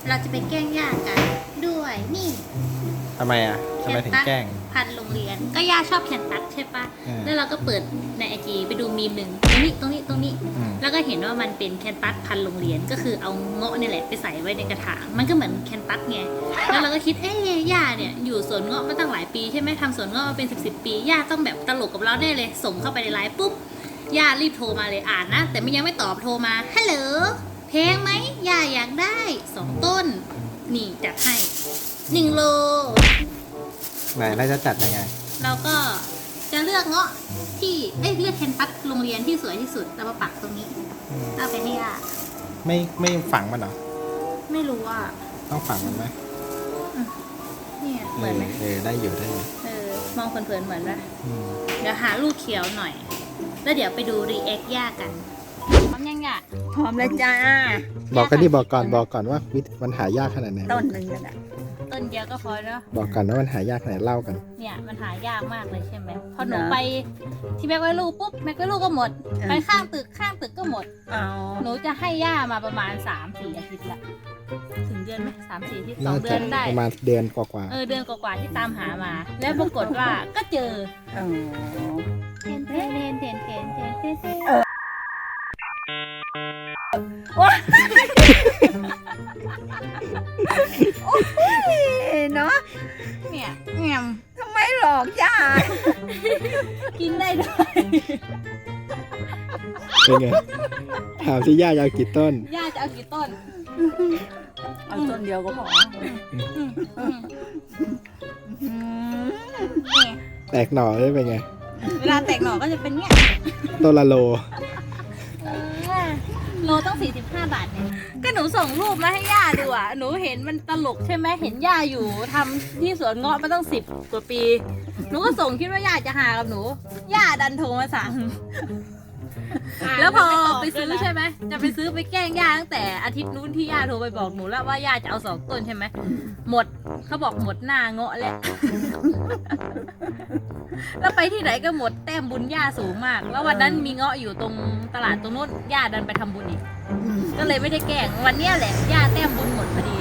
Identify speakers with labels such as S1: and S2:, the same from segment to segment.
S1: เราจะไปแกล้งย่ากันด้วยนี่
S2: ทำไมอ่ะทำไมถึงแกล้ง
S1: พันโรงเรียนก็ย่าชอบแคนตัสใช่ปะ แล้วเราก็เปิดในไอจีไปดูมีมหนึ่งตรงนี้แล้วก็เห็นว่ามันเป็นแคนตัสพันโรงเรียนก็คือเอาเงาะนี่แหละไปใส่ไว้ในกระถางมันก็เหมือนแคนตัสไงแล้วเราก็คิดย่าเนี่ยอยู่สวนเงาะมาตั้งหลายปีใช่ไหมทำสวนเงาะมาเป็น10 ปีย่าต้องแบบตลกกับเราแน่เลยส่งเข้าไปในไลน์ปุ๊บย่ารีบโทรมาเลยอ่านนะแต่ยังไม่ตอบโทรมาฮัลโหลแพงไหมย่าอยากได้2 ต้นนี่จัดให้1 โล
S2: ไหนเราจะจัดยังไง
S1: เราก็จะเลือกเงาะที่เลือกแคนตัสโรงเรียนที่สวยที่สุดแล้วมาปักตรงนี้เอาไปให้ย่า
S2: ไม่ฝังมันเหรอ
S1: ไม่รู้ว่า
S2: ต้องฝังมันไหม
S1: เนี่ยเหมือนไหม
S2: ได้อยู่ได้อยู่
S1: มองเผินๆเหมือนไหม
S2: อืม
S1: เดี๋ยวหาลูกเขียวหน่อย แล้วเดี๋ยวไปดูรีแอคย่ากันพร้อมยังย่า
S3: พร้อมแล้วจ้า
S2: บอกก่อนว่ามันหายากขนาดไหน
S3: ต้นหนึ่งนั่นแหละ
S1: ต้นเดียวก็พอแล้ว
S2: บอกก่อนว่ามันหายากขนาดไหนเล่ากัน
S1: เนี่ยมันหายากมากเลยใช่ไหมพอหนูไปที่แมกไวลูปุ๊บแมกไวลูก็หมด ไปข้างตึกก็หมด
S3: เอา
S1: หนูจะให้ย่ามาประมาณ 3-4 อาทิตย์ละถึงเดือนไหม3-4 อาทิตย์2 เดือนได้
S2: ประมาณเดือนกว่า
S1: เดือนกว่าๆที่ตามหามา แล้วปรากฏว่าก็เจอ
S3: เอา
S1: เทน
S3: เนาะ
S1: เนี่ยแง่ม
S3: ทำไมหลอกจ้า
S1: กินได้ด้วย
S2: ๆเป็นไง ถามที่ย่ายาวกี่ต้น
S1: ย่าจะเอากี่ต้น
S3: เอาต้นเดียวก็พอ
S1: เนี่ย
S2: แตกหน่อได้เป็นไง
S1: เวลาแตกหน่อก็จะเป็นเงี้ย
S2: ต้นละโล
S1: โลต้อง45 บาทเนี่ยก็หนูส่งรูปมาให้ย่าดูอ่ะหนูเห็นมันตลกใช่ไหมเห็นย่าอยู่ทำที่สวนเงาะมาตั้ง10 กว่าปี หนูก็ส่งคิดว่าย่าจะหากับหนูย่าดันโทรมาสั่ง แล้วพอไปซื้อใช่ไหมจะไปซื้อไปแกล้งย่าตั้งแต่อาทิตย์นู้นที่ย่าโทรไปบอกหนูแล้วว่าย่าจะเอา2 ต้นใช่ไหมหมดเขาบอกหมดหน้าเงาะแล้ว แล้วไปที่ไหนก็หมดแต้มบุญย่าสูงมาก แล้ววันนั้นมีเงาะอยู่ตรงตลาดตรงนู้นย่าดันไปทำบุญอีก ก็เลยไม่ได้แกล้งวันเนี้ยแหละย่าแต้มบุญหมดพอดี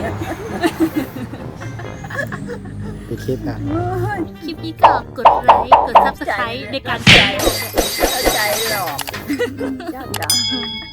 S2: ไปคิดนะ
S1: คลิปนี้ก็กดไลค์กด Subscribe ในการแชร์
S3: เข้าใจหรอกจ้า